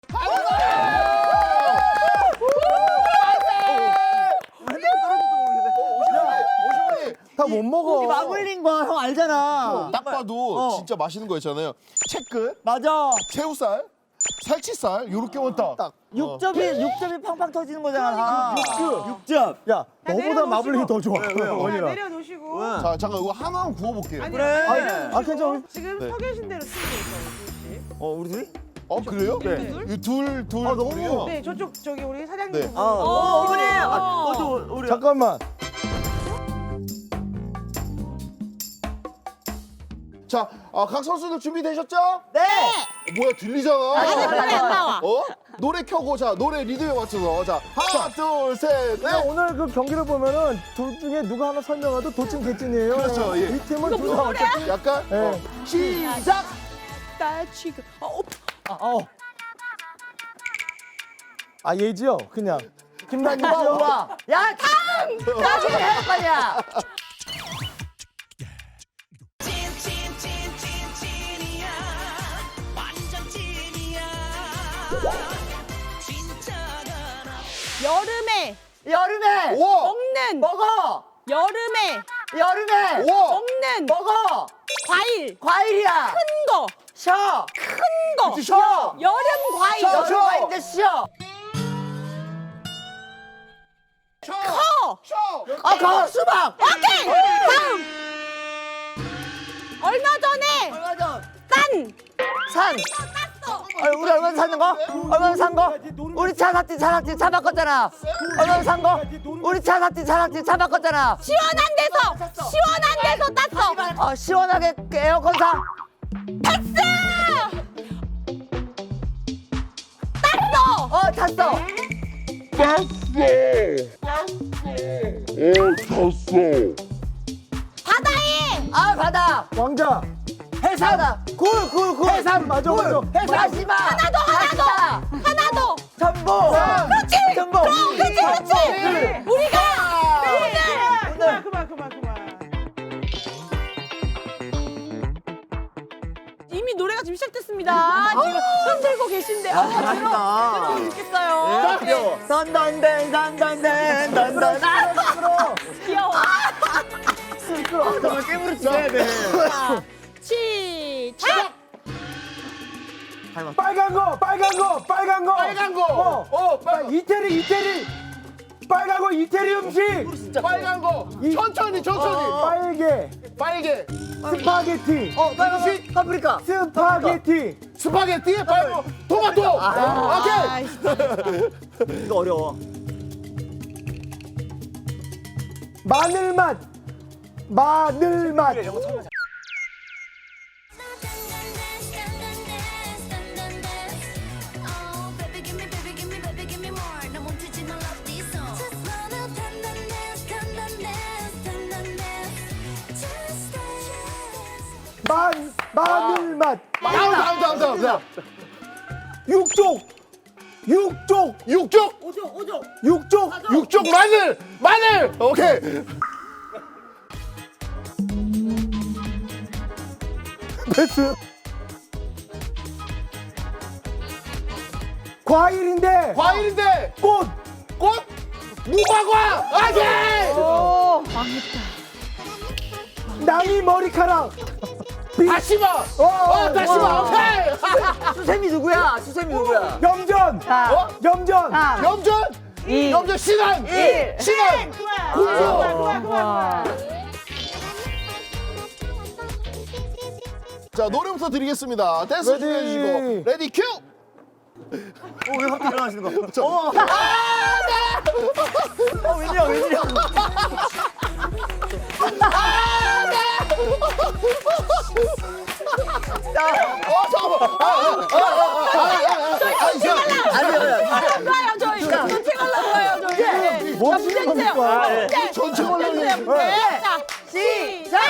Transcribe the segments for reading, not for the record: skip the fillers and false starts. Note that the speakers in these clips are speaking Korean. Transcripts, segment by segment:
다 못 먹어. 마블링 거 형 알잖아. 딱 봐도 진짜 맛있는 거 있잖아요. 채끝, 맞아. 새우살, 살치살 요렇게 원딱. 딱. 육즙이 팡팡 터지는 거잖아. 육즙. 야, 너보다 마블링이 더 좋아. 원이라. 내려놓으시고 자, 잠깐 이거 하나만 구워볼게요. 아니, 그래. 아, 괜찮아. 지금 서 계신 대로 쓰고 있어요. 우리 둘이? 그래요? 네. 이 둘. 너무. 둘이요? 네, 저기 우리 사장님. 네. 보고. 어머니. 너도 우리. 잠깐만. 자, 각 선수들 준비되셨죠? 네. 뭐야, 들리잖아. 노래 안 나와. 노래 켜고, 자, 노래 리듬에 맞춰서. 자, 하나, 둘, 셋, 네, 넷. 오늘 그 경기를 보면은 둘 중에 누가 하나 설명해도 도찐 개찐이에요. 그렇죠, 예. 이 팀은 둘다 어차피. 약간, 네. 시작! 나 지금 아, 얘지요? 그냥. 김단이죠? 야, 나 지금 해 빨리야. 여름에 우와! 먹는 먹어. 여름에 우와! 먹는 먹어. 과일이야. 큰 거. 쉬어. 큰 거. 쉬어. 여름 과일. 쉬어. 여름 과일인데 쉬어. 커. 수박. 오케이. 다음. 얼마 전에 얼마 전. 산. 땄어. 우리 얼마 산 거? 얼마 산 거? 우리 차 샀지, 차 바꿨잖아. 얼마 산 거? 우리 차 샀지, 차 바꿨잖아. 시원한 데서 땄어. 시원하게 에어컨 사. 탔어. 바다에 바다. 왕자. 해삼. 굴. 해삼, 맞아, 맞아. 마지막. 하나 더. 전복. 그렇지. 전복. 그렇지. 우리가 오늘 네. 그만. 이미 노래가 지금 시작됐습니다. 지금 흔들고 계신데. 잘한다. 들어 죽겠어요. 귀여워. 던던댄. 귀여워. 정말 깨물어 줘야 돼. 자, 시작. 빨간 거. 이태리. 빨간 거, 이태리 음식. 빨간 거. 천천히. 빨개. 스파게티. 음식. 파프리카. 스파게티. 빨간 거. 토마토. 오케이. 이거 어려워. 마늘맛. 마늘맛. 다음. 육족. 육쪽 마늘. 오케이. 패스. 과일인데. 꽃. 무화과. 오케이. 낭이 머리카락. 다시마. 다시마. 오케이. 수세미 누구야? 염전. 염전 신안. 그만. 자, 노래부터 드리겠습니다. 댄스 레디. 준비해주시고 레디 큐. 왜 갑자기 일어나시는 거? 웬일이야. 좋아요, 저희. 전체 갈라고요, 저희. 뭐 하시는 겁니까? 전체 올라오는. 자, 시작.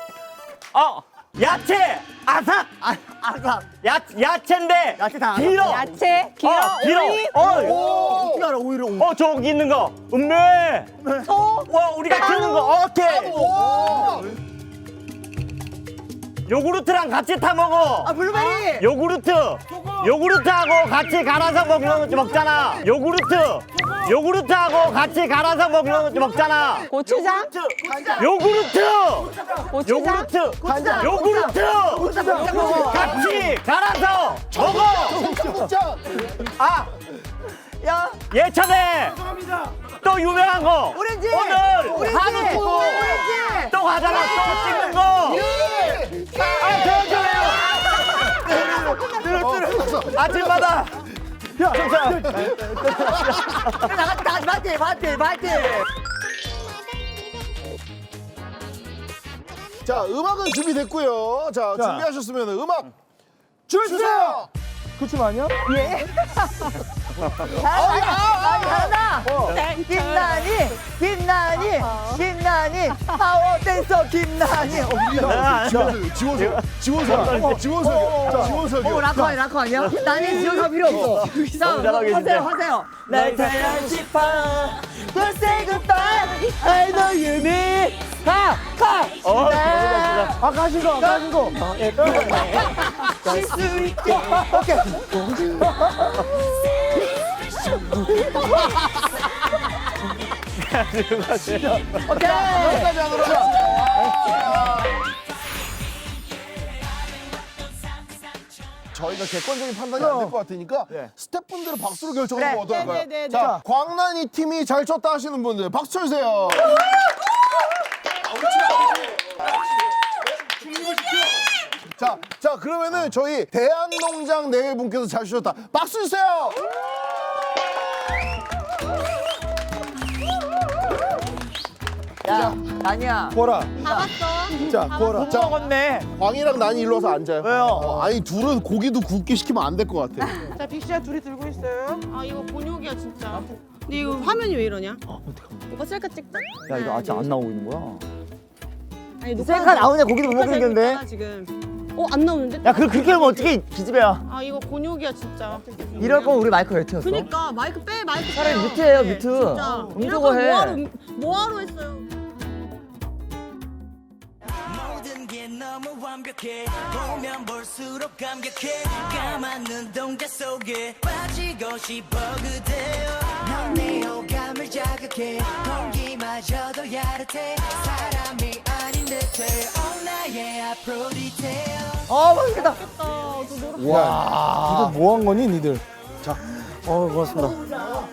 야채 아삭 야채인데 야채 다 알아. 길어 야채, 길어 어떻게 알아, 오히려. 저기 있는 거 음메 우리가 키우는 거 오케이 요구르트랑 같이 타 먹어. 아 블루베리. 요구르트하고 같이 갈아서 먹잖아. 요구르트하고 같이 갈아서 먹잖아. 고추장? 요구르트 고추장? 요구르트 같이 갈아서 먹어. 청국장. 아 야 예전에 또 유명한 거 오렌지. 오늘 오렌지. 한우 두고 오렌지. 또 가잖아. 또 찍는 거. 아침마다 나같이 파이팅. 자, 음악은 준비됐고요. 자, 자. 준비하셨으면 음악 주세요. 그춤 아니야? 잘한다. 김나니 파워 댄서 김나니. 지원석이요. 락커 아니야? 나는 지원석 필요 없어. 너무 잘하고 계신데. 하세요. 날 사랑 싶어. Don't say goodbye. I know you need. 가. 너무 잘 아 가신 거. 쉴수 있게. 오케이. 여기까지 하도록 하겠습니다. 저희가 객관적인 판단이 안 될 것 같으니까 스태프분들은 박수로 결정하는 거 어떨까요? 네네네. 자, 광란이 팀이 잘 쳤다 하시는 분들 박수 쳐주세요. 자, 그러면은 저희 대한농장 네 분께서 잘 주셨다. 박수 주세요. 야, 아니야. 보라. 다 봤어. 자 보라. 못 먹었네. 광이랑 난이 일로 와서 앉아요. 왜요? 아니 둘은 고기도 굽게 시키면 안 될 것 같아. 자, 빅시야 둘이 들고 있어요. 아, 이거 곤욕이야, 진짜. 근데 이거 화면이 왜 이러냐? 오빠 셀카 찍자. 야, 이거 아직 안 나오고 있는 거야? 아니, 셀카 나오냐? 고기도 못 녹화 되고 먹겠는데? 있잖아, 지금. 안 나오는데? 야, 그렇게 하면 어떻게 기집애야? 아, 이거 곤욕이야, 진짜. 이럴 거면 우리 마이크 왜 튀었어? 그니까 마이크 빼. 차라리 빼요. 뮤트 해요, 네, 뮤트. 진짜. 음소거 이럴 거면 해. 뭐하러 했어요? 모든 게 너무 완벽해 보면 볼수록 감격해 까만 눈동자 속에 빠지고 싶어 그대여 넌 내 호감을 자극해 공기마저도 야릇해 사람이 아닌 듯해 나의 앞으로 디테일 맛있겠다. 이거 뭐 한 거니 니들? 고맙습니다.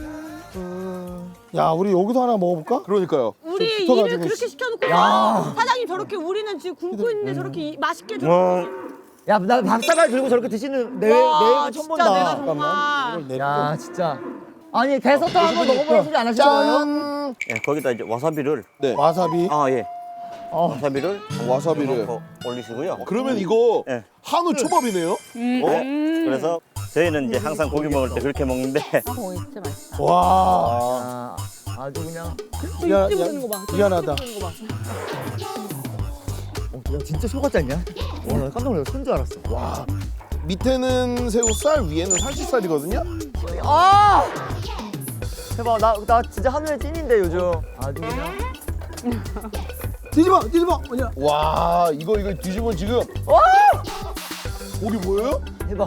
야 우리 여기도 하나 먹어볼까? 그러니까요. 우리 좀 일을 붙어가지고 그렇게 씨. 시켜놓고 사장님 저렇게 우리는 지금 굶고 있는데 저렇게 맛있게 좀. 야, 나 밥사발 들고 저렇게 드시는 내 와, 처음 진짜 내가 본다. 정말. 이걸 내리고. 야, 진짜. 아니, 게서터 한번 먹어보는 소리 안 하실 거예요? 짠. 예, 거기다 이제 와사비를 와사비. 와사비를 와사비를. 넣고 올리시고요. 그러면 이거 예. 한우 초밥이네요. 그래서 저희는 이제 항상 고기 먹을 때 그렇게 먹는데 오, 진짜 맛있다. 와. 아주 그냥. 야, 찌 부르는 거 봐. 미안하다. 찌 부르는 거 봐. 야, 진짜 소 같지 않냐? 와, 나 깜짝 놀랐어. 손줄 알았어. 와. 밑에는 새우살, 위에는 살치살이거든요. 아! 대박, 나 진짜 한우의 찐인데, 요즘. 아주 그냥. 뒤집어. 뭐냐? 와, 이거 뒤집으면 지금 와! 고기 뭐예요? 대박.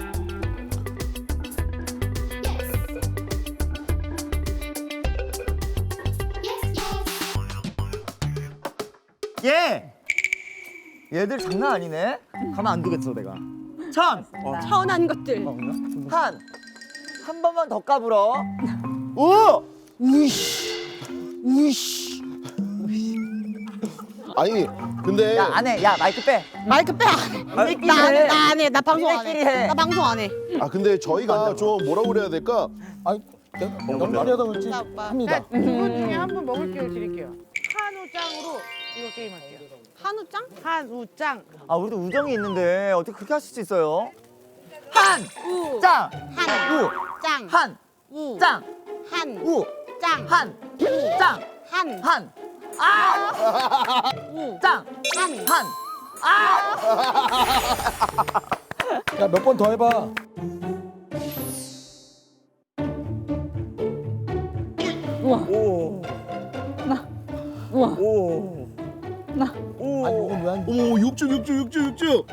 얘들 장난 아니네. 가만 안 두겠어, 내가. 천한 것들. 한 번만 더 까불어. 오! 아니, 근데 야, 안 해. 야, 마이크 빼. 마이크 빼. 니네끼리 해. 나 안 해. 나 방송 안 니네끼리 해. 해. 나 방송 안 해. 근데 저희가 좀 뭐라고 그래야 될까? 아니 연말이하다 그렇지 자, 오빠. 합니다. 두 분 중에 한 분 먹을 기회를 드릴게요. 한우짱으로 이거 게임할게요. 한우짱? 한우짱. 아, 우리도 우정이 있는데 어떻게 그렇게 하실 수 있어요? 우. 짱! 한. 우! 짱. 한! 우. 짱! 한. 우! 짱. 한! 짱! 한. 한! 아! 우. 짱! 한. 한! 아! 야 몇 번 더 해봐. 오. 우와. 오. 나. 오. 어머 육즙.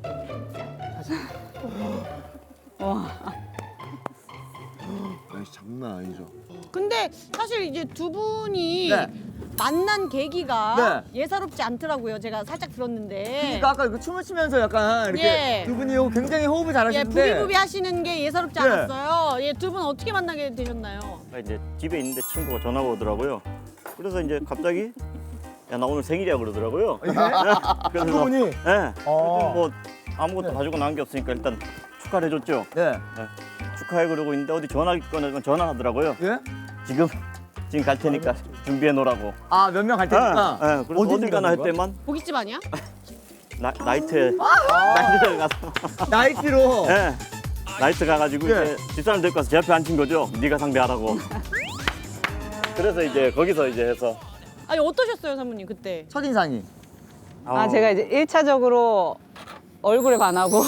장난 아니죠. 근데 사실 이제 두 분이 네. 만난 계기가 네. 예사롭지 않더라고요. 제가 살짝 들었는데. 그러니까 아까 그 춤을 추면서 약간 이렇게 예. 두 분이 굉장히 호흡을 예, 잘하시는데 부비부비 하시는 게 예사롭지 네. 않았어요. 예, 두 분 어떻게 만나게 되셨나요? 이제 집에 있는데 친구가 전화가 오더라고요. 그래서 이제 갑자기 야 나 오늘 생일이야 그러더라고요. 그래서 두 분이 예. 뭐 아무것도 가지고 나온 게 없으니까 일단 축하를 해줬죠. 네. 축하해 그러고 있는데 어디 전화기 꺼내면 전화하더라고요. 예? 지금 갈 테니까 준비해 놓으라고. 아, 몇 명 갈 테니까. 예, 그래서 어딜 가나 할 때만 고깃집 아니야? 나이트에 가서 나이트로. 예. 나이트 가가지고 예. 이제 집사람 데리고 가서 제 앞에 앉힌 거죠. 네가 상대하라고. 그래서 이제 거기서 이제 해서 아니 어떠셨어요, 사모님 그때? 첫인상이. 아 제가 이제 1차적으로 얼굴에 반하고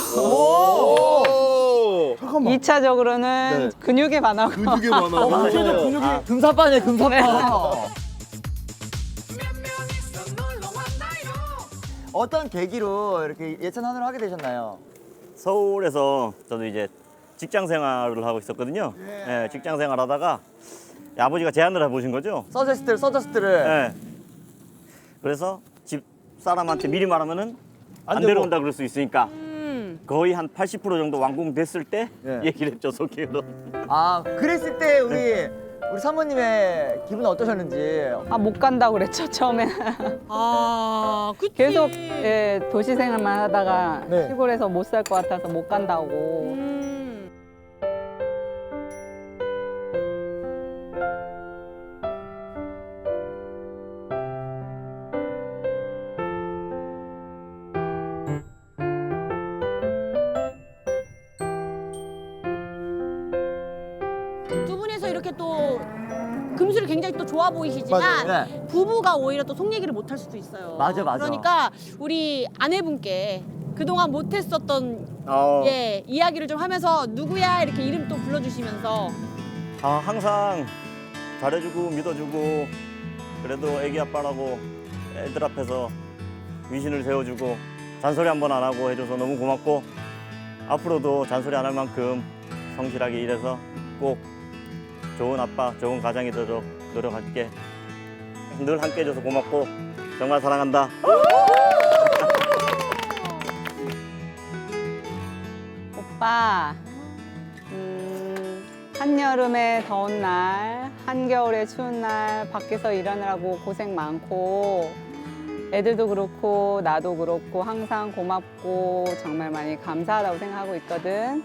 잠깐만. 2차적으로는 근육에 반하고 근육에 많아. 근육이 금사빠네, 금사빠. 어떤 계기로 이렇게 예찬 하늘을 하게 되셨나요? 서울에서 저도 이제 직장 생활을 하고 있었거든요. 예, 직장 생활하다가 아버지가 제안을 해보신 거죠. 서저스트를. 예. 그래서 집 사람한테 미리 말하면은 안 되고. 데려온다 그럴 수 있으니까 거의 한 80% 정도 완공됐을 때 예. 얘기를 했죠, 소개로. 아, 그랬을 때 우리 사모님의 기분은 어떠셨는지. 아 못 간다고 그랬죠 처음에. 아, 그치. 계속 예, 도시 생활만 하다가 네. 시골에서 못 살 것 같아서 못 간다고. 두 분에서 이렇게 또 금술이 굉장히 또 좋아 보이시지만 맞아요. 네. 부부가 오히려 또 속 얘기를 못 할 수도 있어요. 맞아. 그러니까 우리 아내분께 그동안 못했었던 예, 이야기를 좀 하면서 누구야 이렇게 이름 또 불러주시면서 아, 항상 잘해주고 믿어주고 그래도 애기 아빠라고 애들 앞에서 위신을 세워주고 잔소리 한 번 안 하고 해줘서 너무 고맙고 앞으로도 잔소리 안 할 만큼 성실하게 일해서 꼭 좋은 아빠, 좋은 가장이 되도록 노력할게. 늘 함께 해줘서 고맙고 정말 사랑한다. 오빠, 한여름에 더운 날, 한겨울에 추운 날 밖에서 일하느라고 고생 많고 애들도 그렇고 나도 그렇고 항상 고맙고 정말 많이 감사하다고 생각하고 있거든.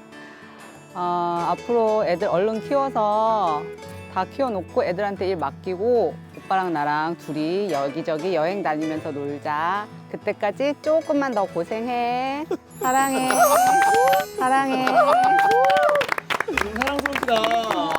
앞으로 애들 얼른 키워서 다 키워놓고 애들한테 일 맡기고 오빠랑 나랑 둘이 여기저기 여행 다니면서 놀자. 그때까지 조금만 더 고생해. 사랑해. 사랑해. 사랑스럽다.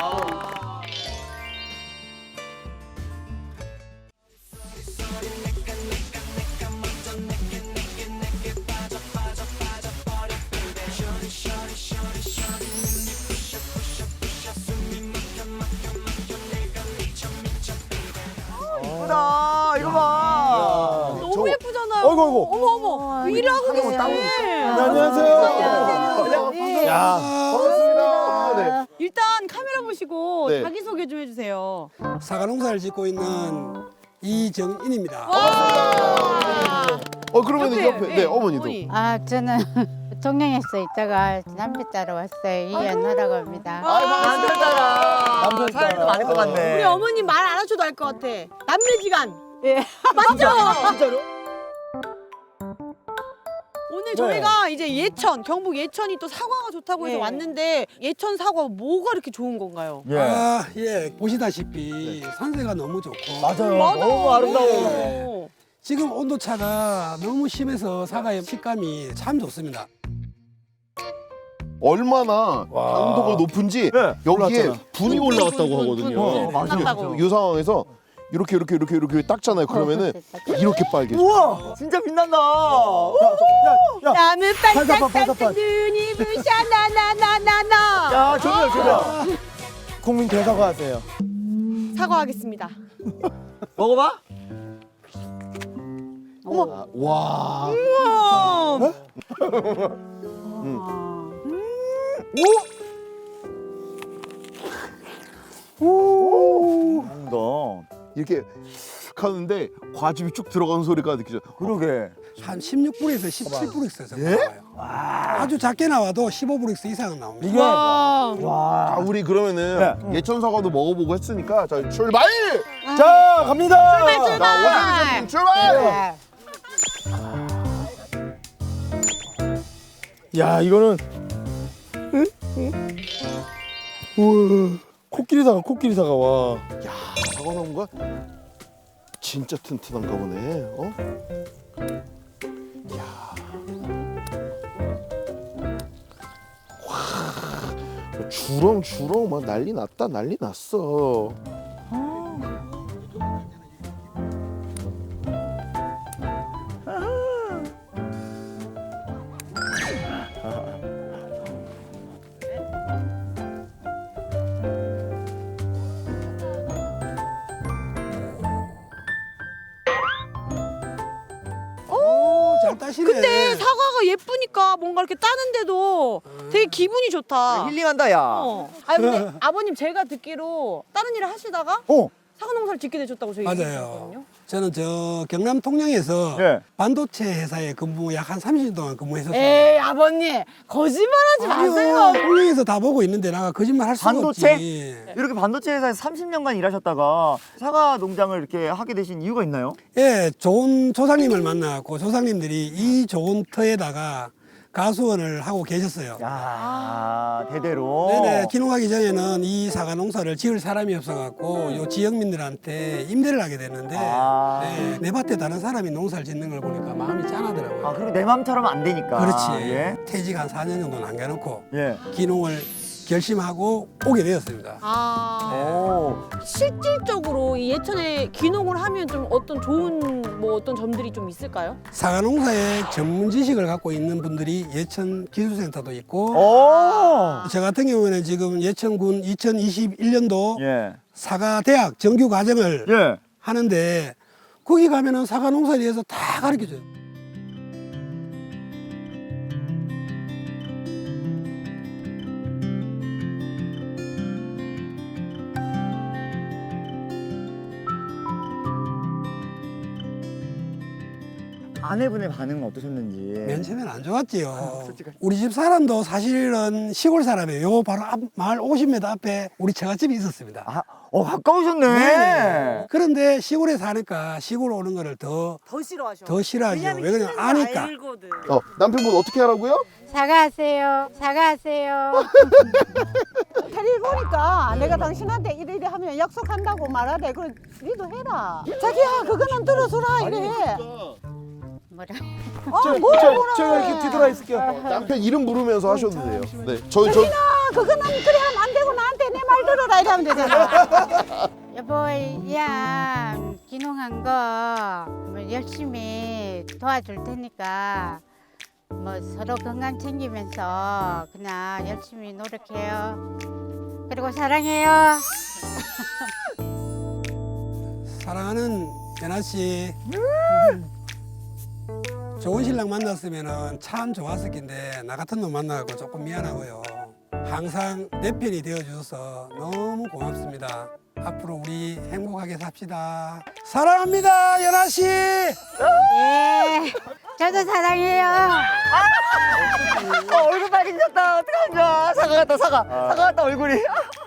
이쁘다. 이거 봐. 너무 예쁘잖아요. 어이구, 어이구. 어머 일하고 계시네. 안녕하세요. 야, 반갑습니다. 네. 일단 카메라 보시고 네. 자기 소개 좀 해주세요. 사과 농사를 짓고 있는 이정인입니다. 그러면 옆에 네, 어머니도. 아, 저는 통영에서 있다가 남편 따라 왔어요. 이연하라고 합니다. 남편 따라. 남편 따라. 사연도 많을 것 같네. 우리 어머님 말 안 하셔도 알 것 같아. 남매지간. 예. 맞죠? 진짜로? 오늘 저희가 이제 예천, 경북 예천이 또 사과가 좋다고 해서 예. 왔는데 예천 사과 뭐가 이렇게 좋은 건가요? 아, 예. 보시다시피 산세가 너무 좋고 맞아요. 너무 아름다워. 지금 온도차가 너무 심해서 사과의 식감이 참 좋습니다. 얼마나 당도가 높은지 여기에 올라왔잖아. 분이 올라왔다고 하거든요. 맞아요. 이 상황에서 이렇게 닦잖아요. 그러면은 이렇게 빨개져. 우와, 진짜 빛난다. 나는 팔사판, 반짝반짝 눈이 부셔 나나나나나. 야, 조명. 국민 대사과하세요. 사과하겠습니다. 먹어봐. 아, 와. 너 이렇게 쓱 하는데 과즙이 쭉 들어가는 소리가 느껴져. 그러게. 한 16브릭스, 17브릭스 정도 나와요. 아주 작게 나와도 15브릭스 이상은 나옵니다. 이게 아, 우리 그러면은 예천 사과도 먹어보고 했으니까 자 출발! 자 갑니다. 자, 오전 출발! 야 이거는 우와 코끼리 사과 와. 사과 나온 거야? 진짜 튼튼한가 보네. 어? 와, 주렁주렁 막 난리 났다, 난리 났어. 잘 따시네. 근데 사과가 예쁘니까 뭔가 이렇게 따는데도 되게 기분이 좋다. 힐링한다 야. 아니 근데 아버님 제가 듣기로 다른 일을 하시다가 사과 농사를 짓게 되셨다고 저희 맞아요. 들었거든요. 저는 저 경남 통영에서 예. 반도체 회사에 근무 약 한 30년 동안 근무했었어요. 에이 아버님 거짓말하지 마세요. 통영에서 다 보고 있는데 내가 거짓말 할 수가 반도체? 없지. 이렇게 반도체 회사에서 30년간 일하셨다가 사과 농장을 이렇게 하게 되신 이유가 있나요? 예, 좋은 조상님을 만나고 조상님들이 이 좋은 터에다가 가수원을 하고 계셨어요. 야 대대로. 네네, 귀농하기 전에는 이 사과 농사를 지을 사람이 없어갖고 요 지역민들한테 임대를 하게 됐는데 네, 내 밭에 다른 사람이 농사를 짓는 걸 보니까 마음이 짠하더라고요. 아 그리고 내 맘처럼 안 되니까. 그렇지. 예. 퇴직 한 4년 정도 남겨놓고 예. 귀농을 결심하고 오게 되었습니다. 오. 실질적으로 이 예천에 귀농을 하면 좀 어떤 좋은 뭐 어떤 점들이 좀 있을까요? 사과 농사에 전문 지식을 갖고 있는 분들이 예천 기술센터도 있고 오. 저 같은 경우에는 지금 예천군 2021년도 예. 사과 대학 정규 과정을 예. 하는데 거기 가면은 사과 농사에 대해서 다 가르쳐줘요. 아내분의 반응은 어떠셨는지. 맨 처음엔 안 좋았지요. 솔직하게. 우리 집 사람도 사실은 시골 사람이에요. 요 바로 앞, 마을 50m 앞에 우리 처갓집이 있었습니다. 아, 가까우셨네. 네네. 그런데 시골에 사니까 시골 오는 거를 더 싫어하셔. 싫어하죠. 왜 그러냐면 아니까. 남편분 어떻게 하라고요? 사과하세요. 사과하세요. 데리고 오니까 내가 당신한테 이래 하면 약속한다고 말하래. 그래, 니도 해라. 자기야, 그거는 들어줘라. 이래. 뭐라? 제가 이렇게 뒤돌아 있을게요. 남편 이름 부르면서 하셔도 돼요. 네, 저 그거는 그래 하면 안 되고 나한테 내 말 들어라. 이래 하면 되잖아. 여보, 야, 귀농한 거 뭐 열심히 도와줄 테니까 뭐 서로 건강 챙기면서 그냥 열심히 노력해요. 그리고 사랑해요. 사랑하는 연아 씨. 좋은 신랑 만났으면 참 좋았을 텐데 나 같은 놈 만나고 조금 미안하고요. 항상 내 편이 되어주셔서 너무 고맙습니다. 앞으로 우리 행복하게 삽시다. 사랑합니다, 연아 씨. 예, 저도 사랑해요. 얼굴 빨개졌다. 어떡하냐. 사과 같다, 사과. 사과 같다, 얼굴이.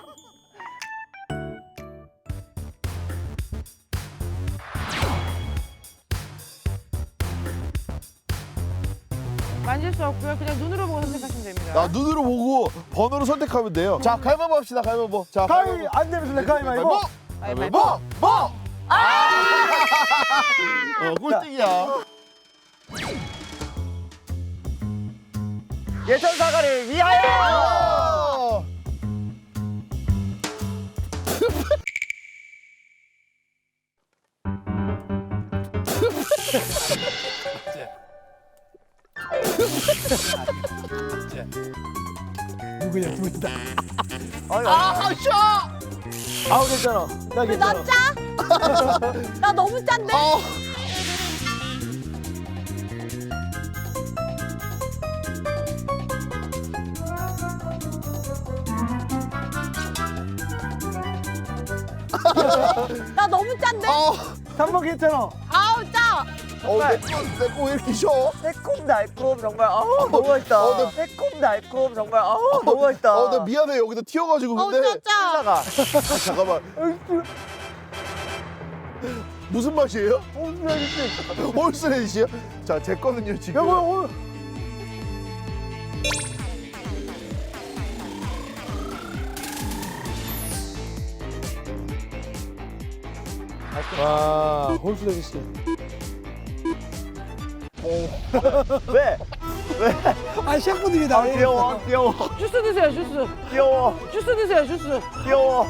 만질 수 없고요. 그냥 눈으로 보고 선택하시면 됩니다. 나 눈으로 보고 번호를 선택하면 돼요. 자, 가위바위보 합시다. 가위바위보. 자, 가위 안 되면 술래 가위바위보. 가위바위보. 뭐? 꼴등이야. 예천 사과를 위하여. 누구냐, 누구다. 아우 괜찮아. 나 괜찮아. 나 짜? 나 너무 짠데? 나 너무 짠데? 3번 괜찮아. 아우 짜. 내거 왜 이렇게 쉬워? 새콤달콤 정말 너무 맛있다. 새콤달콤 정말 너무 맛있다. 나 미안해 여기다 튀어가지고 근데. 짜. 잠깐만. 무슨 맛이에요? 홀스레디시요? 자, 제 거는요 지금. 와, 홀수레기 씨. 왜? 아 셰프님이다. 귀여워. 주스 드세요, 주스. 귀여워. 주스 드세요, 주스. 귀여워.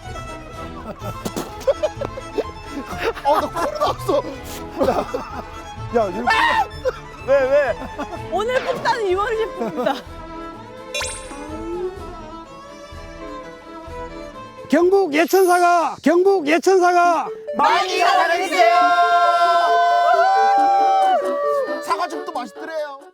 나 코로 나왔어. 야, 이거 왜? 오늘 뽑다는 이원희 셰프입니다. 경북 예천사가 많이 사랑해주세요. 사과즙도 맛있더래요.